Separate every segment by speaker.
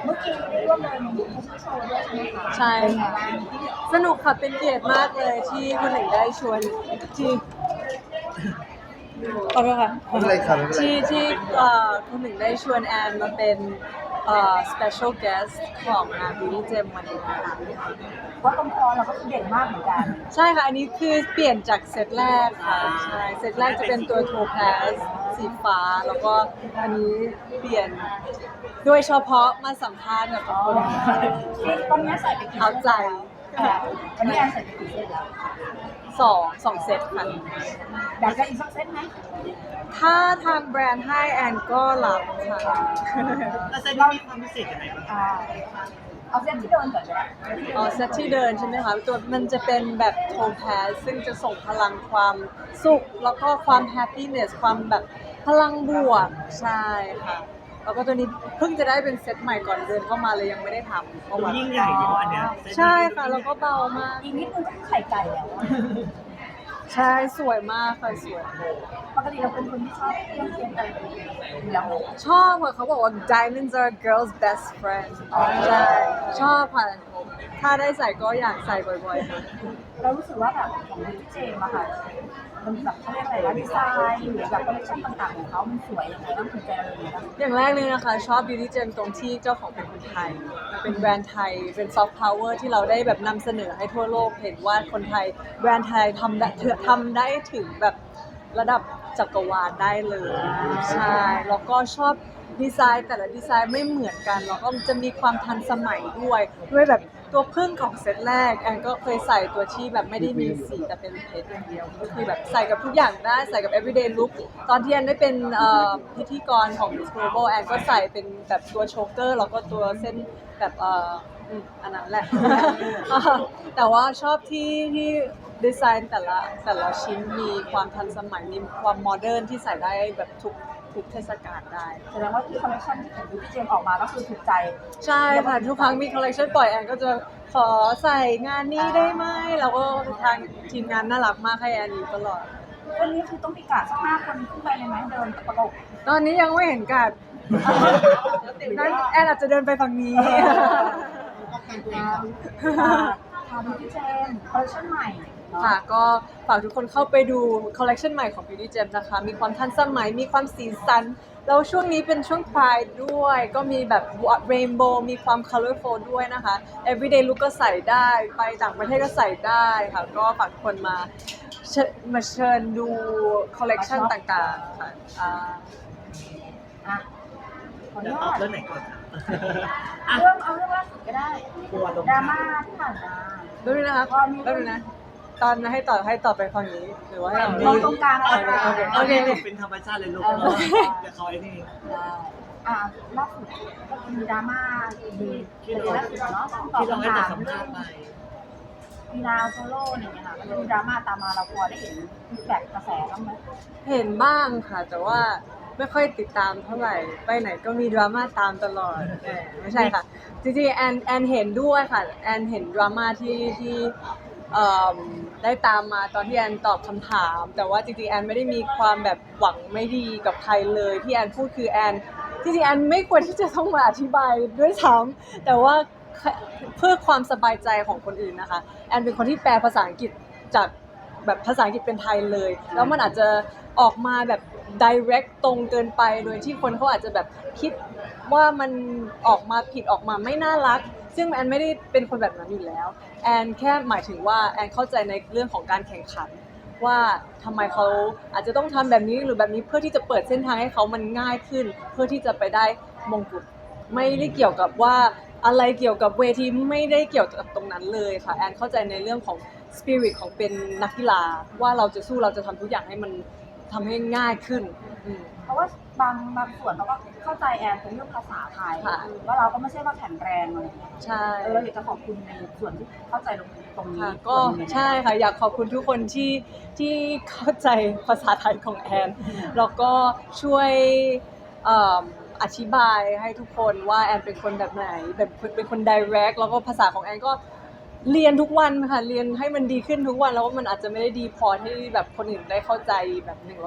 Speaker 1: เมื่อกี้ได้ร่วมเดินแฟชั่นโชว์ด้วยใช่ไหมคะ
Speaker 2: ใช่
Speaker 1: เป็นไง
Speaker 2: ค่ะ
Speaker 1: บ้าง
Speaker 2: สนุกค่ะเป็นเกียรติมากเลยที่คุณหนึ่งได้ชวนที่ขอโทษค่ะ
Speaker 3: ไม่เป็นไรครับไม่เป็นไร
Speaker 2: ที่คุณหนึ่งได้ชวนแอนมาเป็นspecial guest ของงาน Beauty Gem วันนี้นะคะ
Speaker 1: ว่าตรงคอเราก็คือเด่นมากเหมือนกัน
Speaker 2: ใช่ค่ะ อันนี้คือเปลี่ยนจากเซตแรกค่ะใช่เซตแรกจะเป็นตัวโทแพสสีฟ้า แล้วก็อันนี้เปลี่ยนโดยเฉพาะมาสัมภาษณ์กับทุกคน
Speaker 1: ตอนนี้ใส่ไปกี่
Speaker 2: เอาใจ
Speaker 1: วันนี้แอนใส่ไปกี่เซตแล้ว
Speaker 2: สองเซตค่ะ
Speaker 1: อยากจะอีกสักเซตไหม
Speaker 2: ถ้าทางแบรนด์ให้แอนก็รับค่ะ
Speaker 4: แล้วเซตนี้มีความพิเศษยังไงบ้าง
Speaker 1: เอาเซตที่เดินก่อนก็ได้
Speaker 2: อ๋อเซตที่เดินใช่ไหมคะตัวมันจะเป็นแบบโทนแพสซึ่งจะส่งพลังความสุข แล้วก็ความแฮปปี้เนสความแบบพลังบวกใช่ค่ะ แล้วก็ตัวนี้เพิ่งจะได้เป็นเซตใหม่ก่อนเดินเข้ามาเลยยังไม่ได้ทำเพราะ
Speaker 4: ดู
Speaker 2: ว่า
Speaker 4: ยิ่งใหญ่เนาะอันเนี้ย
Speaker 2: ใช่ค่ะแล้วก็เบามาก
Speaker 1: อีกนิดนึงก็ไข่ไก่แล้วอะ
Speaker 2: ใช่สวยมากค่ะสวย
Speaker 1: ปกติเราเป็นคนที่ชอบเครื่องเคียงอะไรอยู่แล้ว
Speaker 2: ชอบค่ะเขาบอกว่า diamonds are a girl's best friend ใช่ชอบค่ะถ้าได้ใส่ก็อยากใส่บ่อยๆค่ะ
Speaker 1: เรารู้สึกว่าแบบของพี่เจมส์อะค่ะมันแบบเขาเรียกอะไรนะดีไซน์หรือแบบคอลเลคชั่นต่างๆของเขามันสวยยังไงบ้างถูกใจเราอย่างไรบ้าง
Speaker 2: อย่างแรกเลยนะคะชอบ Beauty Gem ตรงที่เจ้าของเป็นคนไทยเป็นแบรนด์ไทยเป็นซอฟต์พาวเวอร์ที่เราได้แบบนำเสนอให้ทั่วโลกเห็นว่าคนไทยแบรนด์ไทยทำได้ถึงแบบระดับจักรวาลได้เลยใช่แล้วก็ชอบดีไซน์แต่ละดีไซน์ไม่เหมือนกันแล้วก็จะมีความทันสมัยด้วยแบบตัวพึ่งของเซตแรกแอนก็เคยใส่ตัวที่แบบไม่ได้มีสีแต่เป็นเพชรอย่างเดียวก็คือแบบใส่กับทุกอย่างได้ใส่กับ everyday look ตอนที่แอนได้เป็นพิธีกรของ Miss Global แอนก็ใส่เป็นแบบตัวโชเกอร์แล้วก็ตัวเส้นแบบอันนั้นแหละ แต่ว่าชอบที่ดีไซน์แต่ละชิ้นมีความทันสมัยมีความโมเดิร์นที่ใส่ได้แบบทุกเทศกาลได้
Speaker 1: แสดงว่าที่คอลเลคชันของพี่เจมส์ออกมาก็คือถูกใจ
Speaker 2: ใช่ค่ะทุกครั้งมีคอลเลคชันปล่อยแอนก็จะขอใส่งานนี้ได้ไหมแล้วก็ทางทีมงานน่ารักมากให้แอนอยู่ตลอด
Speaker 1: วันนี้คือต้องมีกาดสัก5 คนขึ้นไปเลยไหมเดินประกบ
Speaker 2: ตอนนี้ยังไม่เห็นกัดนั้นแอนอาจจะเดินไปฝั่งนี้
Speaker 1: ค่ะพี่เจมส์คอลเลคชันใหม่เนอะ
Speaker 2: ค่ะก็ฝากทุกคนเข้าไปดูคอลเลคชันใหม่ของ Beauty Gem นะคะ มีความทันสมัย มีความสีสัน แล้วช่วงนี้เป็นช่วง Pride ด้วย ก็มีแบบ Rainbow มีความ Colorful ด้วยนะคะ Everyday Look ก็ใส่ได้ ไปต่างประเทศก็ใส่ได้ค่ะ ก็ฝากทุกคนมาเชิญดูคอลเลคชันต่างๆค่ะ
Speaker 1: อ่าอ่ะขออ
Speaker 4: เดี๋
Speaker 1: นุ
Speaker 4: ยวตอ
Speaker 1: ญา
Speaker 4: บ
Speaker 1: ต
Speaker 4: เรื่องไหนก่อนครับ
Speaker 1: เอาเรื่องล่าสุดก็ได้
Speaker 4: ตัวลง
Speaker 1: ดราม่าที่ผ่านมา
Speaker 2: แป๊บนึงนะคะแป๊บนึงนะ ตอนให้ต่อไปฝั่งนี้ หรือว่าให้
Speaker 1: มองตรงกลางอะไร
Speaker 2: โอเค
Speaker 4: เป็นธรรมชาติเลยลูกเดี๋ยวเขาไอ้นี่
Speaker 1: อ่าล่าสุดก็มีดราม่าดีที่ล่าสุดเนาะตอบ
Speaker 4: ที่เราให้
Speaker 1: คำ
Speaker 4: แต่
Speaker 1: ถาม
Speaker 4: สัม
Speaker 1: เรื่
Speaker 4: ภา
Speaker 1: อง
Speaker 4: ษณ์ไป
Speaker 1: มีนาโซโล่เนี่ยค่ะมันมีดราม่าตามมาเราพอได้เห็นฟีดแบ็กกระแสบ้างไหม
Speaker 2: เห็นบ้างค่ะ แต่ว่าไม่ค่อยติดตามเท่าไหร่ ไปไหนก็มีดราม่าตามตลอดไม่ใช่ค่ะ จริงๆแอนเห็นด้วยค่ะแอนเห็นดราม่าที่ได้ตามมาตอนที่แอนตอบคำถาม แต่ว่าจริงๆแอนไม่ได้มีความแบบหวังไม่ดีกับใครเลยที่แอนพูดคือแอนจริงๆแอนไม่ควรที่จะต้องมาอธิบายด้วยซ้ำแต่ว่าเพื่อความสบายใจของคนอื่นนะคะแอนเป็นคนที่แปลภาษาอังกฤษจากแบบภาษาอังกฤษเป็นไทยเลยแล้วมันอาจจะออกมาแบบ direct ตรงเกินไปโดยที่คนเขาอาจจะแบบคิดว่ามันออกมาผิดออกมาไม่น่ารักซึ่งแอนไม่ได้เป็นคนแบบนั้นอยู่แล้วแอนแค่หมายถึงว่าแอนเข้าใจในเรื่องของการแข่งขันว่าทำไมเขาอาจจะต้องทำแบบนี้หรือแบบนี้เพื่อที่จะเปิดเส้นทางให้เขามันง่ายขึ้น เพื่อที่จะไปได้มงกุฎไม่ได้เกี่ยวกับว่าอะไรเกี่ยวกับเวทีไม่ได้เกี่ยวกับตรงนั้นเลยค่ะแอนเข้าใจในเรื่องของสปิริตของเป็นนักกีฬาว่าเราจะสู้เราจะทำทุกอย่างให้มันทำให้ง่ายขึ้น
Speaker 1: เพราะว่าบางส่วนเราก็เข้าใจแอนเป็นเรื่องภาษาไทย
Speaker 2: ค่ะ
Speaker 1: ว่าเราก็ไม่ใช่ว่าแข็งแรงอะไรอย่างเงี้ย
Speaker 2: ใช่
Speaker 1: เราอยากจะขอบคุณในส่วนที่เข้าใจตรงนี้
Speaker 2: ค่ะก็
Speaker 1: ส่วนหนึ่ง
Speaker 2: ใช่ค่ะอยากขอบคุณทุกคนที่เข้าใจภาษาไทยของแอนแล้วก็ช่วยอธิบายให้ทุกคนว่าแอนเป็นคนแบบไหนแบบเป็นคน direct แล้วก็ภาษาของแอนก็เรียนทุกวันค่ะเรียนให้มันดีขึ้นทุกวันแล้วว่ามันอาจจะไม่ได้ดีพอที่แบบคนอื่นได้เข้าใจแบบ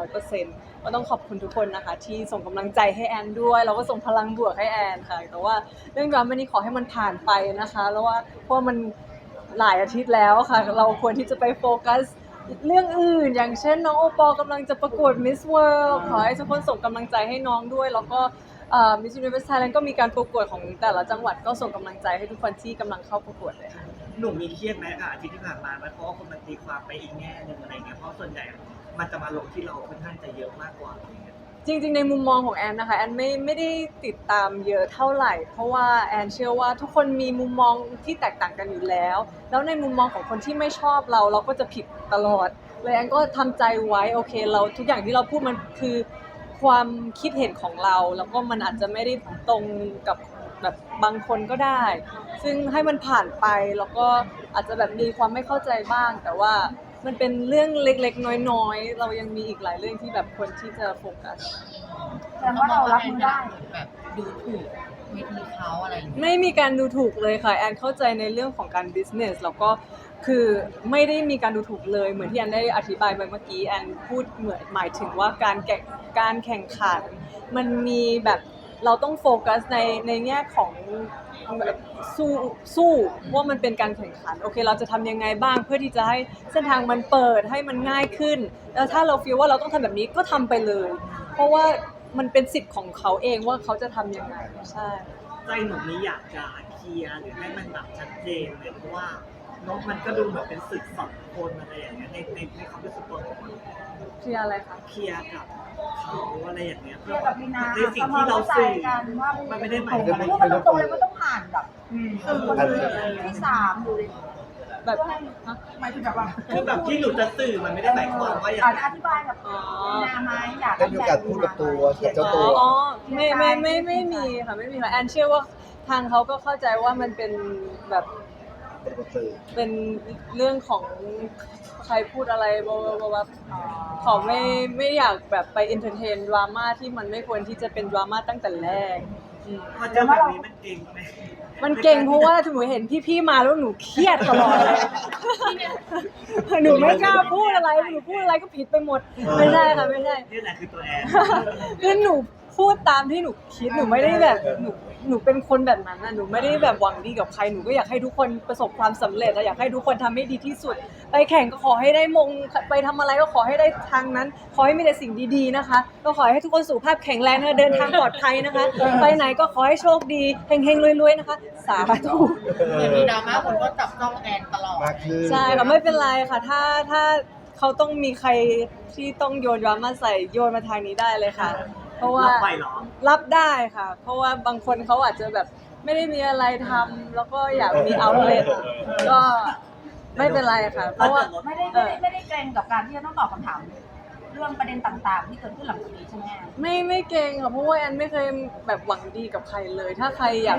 Speaker 2: 100%ก็ต้องขอบคุณทุกคนนะคะที่ส่งกำลังใจให้แอนด้วยแล้วก็ส่งพลังบวกให้แอนค่ะแต่ว่าเรื่องดราม่านี้ขอให้มันผ่านไปนะคะแล้วว่าเพราะมันหลายอาทิตย์แล้วค่ะเราควรที่จะไปโฟกัสเรื่องอื่นอย่างเช่นน้องโอปอลกำลังจะประกวด Miss World ขอให้ทุกคนส่งกำลังใจให้น้องด้วยแล้วก็Miss Universe Thailand ก็มีการประกวดของแต่ละจังหวัดก็ส่งกำลังใจให้ทุกคนที่กำลังเข้าประกวดเลยค่ะ
Speaker 4: หนุ่มมีเครียดไหมกับอาทิตย์ที่ผ่านมาไหมเพราะว่าคนมันตีความไปอีกแง่หนึ่งอะไรเงี้ยเพราะส่วนใหญ่มันจะมาลงที่เราค่อนข้างจะเยอะมากกว่าอะไรเงี้ย
Speaker 2: จริงๆในมุมมองของแอนนะคะแอนไม่ได้ติดตามเยอะเท่าไหร่ เพราะว่าแอนเชื่อว่าทุกคนมีมุมมองที่แตกต่างกันอยู่แล้วแล้วในมุมมองของคนที่ไม่ชอบเราก็จะผิดตลอดเลยแอนก็ทำใจไว้โอเคเราทุกอย่างที่เราพูดมันคือความคิดเห็นของเราแล้วก็มันอาจจะไม่ได้ตรงกับแบบบางคนก็ได้ ซึ่งให้มันผ่านไปแล้วก็อาจจะแบบมีความไม่เข้าใจบ้าง แต่ว่ามันเป็นเรื่องเล็กๆน้อยๆเรายังมีอีกหลายเรื่องที่แบบควรที่จะโฟกัส
Speaker 1: แสดงว่าเรารับมือได้
Speaker 3: แบบดูถูกเวทีเขาอะไรอย่างเงี้ย
Speaker 2: ไม่มีการดูถูกเลยค่ะแอนเข้าใจในเรื่องของการ business แล้วก็คือไม่ได้มีการดูถูกเลยเหมือนที่แอนได้อธิบายไปเมื่อกี้แอนพูดเหมือนหมายถึงว่าการแข่งขันมันมีแบบเราต้องโฟกัสในแง่ของแบบสู้ว่ามันเป็นการแข่งขันโอเคเราจะทำยังไงบ้างเพื่อที่จะให้เส้นทางมันเปิดให้มันง่ายขึ้นแล้วถ้าเราฟีลว่าเราต้องทำแบบนี้ก็ทำไปเลย เพราะว่ามันเป็นสิทธิ์ของเขาเองว่าเขาจะทำยังไงใช่
Speaker 4: ใจหนุ่มนี้อยากจะเคลียร์หรือให้มันแบบชัดเจนเลยเพราะว่าน้องมันก็ดูเหมือนเป็นศึกสองคนอะไรอย่างเงี้ยในความรู้สึกตัวของมัน
Speaker 2: เคลียร์อะไรคะ
Speaker 4: เคลียร์กับเขาอะไรอย่างเงี้ย
Speaker 1: เรียกกับมีนา
Speaker 4: ในสิ่งที่เราสื่อ
Speaker 1: กันว่า
Speaker 4: มันไม่ได้หมาย
Speaker 1: พู
Speaker 4: ถึง
Speaker 1: ดมันตรงๆเลยมันต้องผ่านแบบคนที่สามหรือ
Speaker 2: แบบฮะ
Speaker 1: หมายถึงแบบว่า
Speaker 4: คือแบบที่หนูจะสื่อมันไม่ได้หมายความว่าอย่าง
Speaker 1: อาจ
Speaker 4: นั้
Speaker 1: จะ
Speaker 4: น
Speaker 1: อธิบายกับมีนาไหมอยาก
Speaker 5: ได้มีโอกาสพูดกับตัวกับเจ้าตัว
Speaker 2: อ๋อไม่มีค่ะไม่มีค่ะแอนเชื่อว่าทางเขาก็เข้าใจว่ามันเป็นแบบเป็นเรื่องของใครพูดอะไรบขอไม่อยากแบบไปเอนเตอร์เทนดราม่าที่มันไม่ควรที่จะเป็นดราม่าตั้งแต่แรกอืม
Speaker 4: พอเจอแบบนี้มันเก่งไหม
Speaker 2: มันเก่งเพราะว่าหนูเห็นพี่ๆมาแล้วหนูเครียดตลอดเลย หนูไม่กล้าพูดอะไรหนูพูดอะไรก็ผิดไปหมดไม่ใช่ค่ะไม่ใช่
Speaker 4: นี่แหละคือตัวแอน
Speaker 2: คือหนูพูดตามที่หนูคิดหนูไม่ได้แบบหนูเป็นคนแบบนั้นนะหนูไม่ได้แบบหวังดีกับใครหนูก็อยากให้ทุกคนประสบความสำเร็จและอยากให้ทุกคนทำให้ดีที่สุด ไปแข่งก็ขอให้ได้มงไปทำอะไรก็ขอให้ได้ทางนั้น ขอให้มีแต่สิ่งดีๆนะคะก็ขอให้ทุกคนสุขภาพแข็งแรงนะคะเดินทางปลอดภัยนะคะ ไปไหนก็ขอให้โชคดีเฮงๆรวยๆนะคะสาธุ
Speaker 3: เดี๋ยวมีดราม่าคนก็จับจ้องแอนตลอด
Speaker 5: มากขึ้น
Speaker 2: ใช่ค่ะไม่เป็นไรค่ะถ้าเขาต้องมีใครที่ต้องโยนดราม่าใส่โยนมาทางนี้ได้เลยค่ะ เพราะว่า
Speaker 4: รับไปเหรอ
Speaker 2: รับได้ค่ะ เพราะว่าบางคนเขาอาจจะแบบไม่ได้มีอะไรทำแล้วก็อยากมีเอาท์เลทก็ไม่เป็นไรค่ะ เพราะว่า
Speaker 1: ไม่ได้เกรงกับการที่จะต้องตอบคำถามเรื่องประเด็นต่างๆ ที่เกิดขึ้นหลังจากนี้ใช่ไหม
Speaker 2: ไม่เก่งค่ะเพราะว่าแอนไม่เคยแบบหวังดีกับใครเลย ถ้าใครอยาก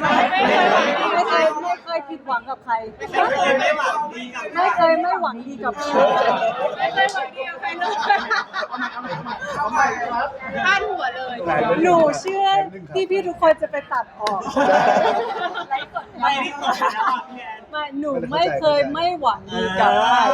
Speaker 2: ไม่เคยผิดหวังกับใคร
Speaker 4: ไม่เคยไม่หวังดีกับ
Speaker 2: ไม่เคยไม่หวังดีกับใคร
Speaker 3: ไม่เคยหวังดีกับใครเลยพลาดหัวเลย
Speaker 2: หนูเชื่อพี่ๆทุกคนจะไปตัดออก
Speaker 4: ไม่ได้กดแล้วอ่ะพี่แอน
Speaker 2: ไม่หนูไม่เคยไม่หวังดีกับใคร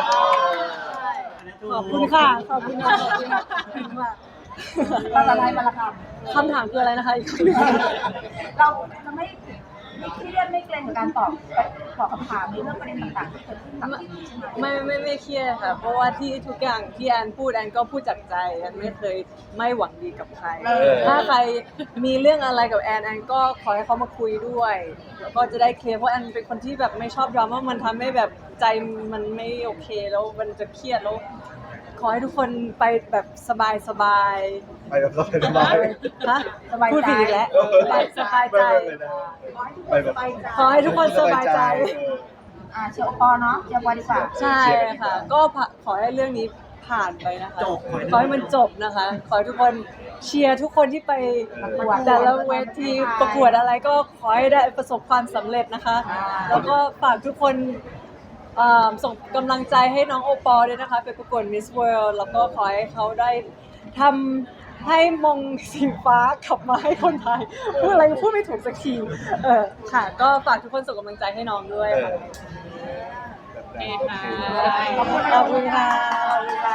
Speaker 2: ขอบคุณค่ะขอบคุณค่ะขอบคุณค่ะ
Speaker 1: ภาษาไทยมาละค
Speaker 2: คำถามคืออะไรนะคะอีกครั้งหนึ่ง
Speaker 1: ำเราจะไม่เครียดไม่เกรงกับการตอบคำถามในเรื่องประเด็นต่างๆที่เกิดขึ้นหลังจากนี้ใช่ไหม
Speaker 2: ไม่เครียดค่ะ เพราะว่าที่ทุกอย่างที่แอนพูดแอนก็พูดจากใจแอนไม่เคยไม่หวังดีกับใคร ถ้าใครมีเรื่องอะไรกับแอนก็ขอให้เขามาคุยด้วยแล้วก็จะได้เคลียร์เพราะแอนเป็นคนที่แบบไม่ชอบดราม่ามันทำให้แบบใจมันไม่โอเคแล้วมันจะเครียดแล้วขอให้ทุกคนไปแบบสบาย
Speaker 5: ไปแบบสบาย
Speaker 2: ฮะพูดผิดอีกแล้วไปสบายใจ
Speaker 5: ไปแบบ
Speaker 2: ขอให้ทุกคนสบายใจ
Speaker 1: เชียร์ปอเนาะเชียร์ปอดีกว่า
Speaker 2: ใช่ค่ะ ก็ขอให้เรื่องนี้ผ่านไปนะคะ
Speaker 4: จบ
Speaker 2: ขอให้มันจบนะคะ ขอให้ทุกคนเชียร์ทุกคนที่ไปแต่ละเวทีประกวดอะไรก็ขอให้ได้ประสบความสำเร็จนะคะ แล้วก็ฝากทุกคนส่งกำลังใจให้น้องโอปอล์ด้วยนะคะ ไปประกวด Miss World แล้วก็ขอให้เขาได้ทให้มงสีฟ้ากลับมาให้คนไทยพูดอะไรก็พูดไม่ถูกสักทีค่ะ ก็ฝากทุกคนส่งกำลังใจให้น้องด้วยค่ะ
Speaker 5: แบบนั้นโอเค
Speaker 2: ขอบคุณค่ะ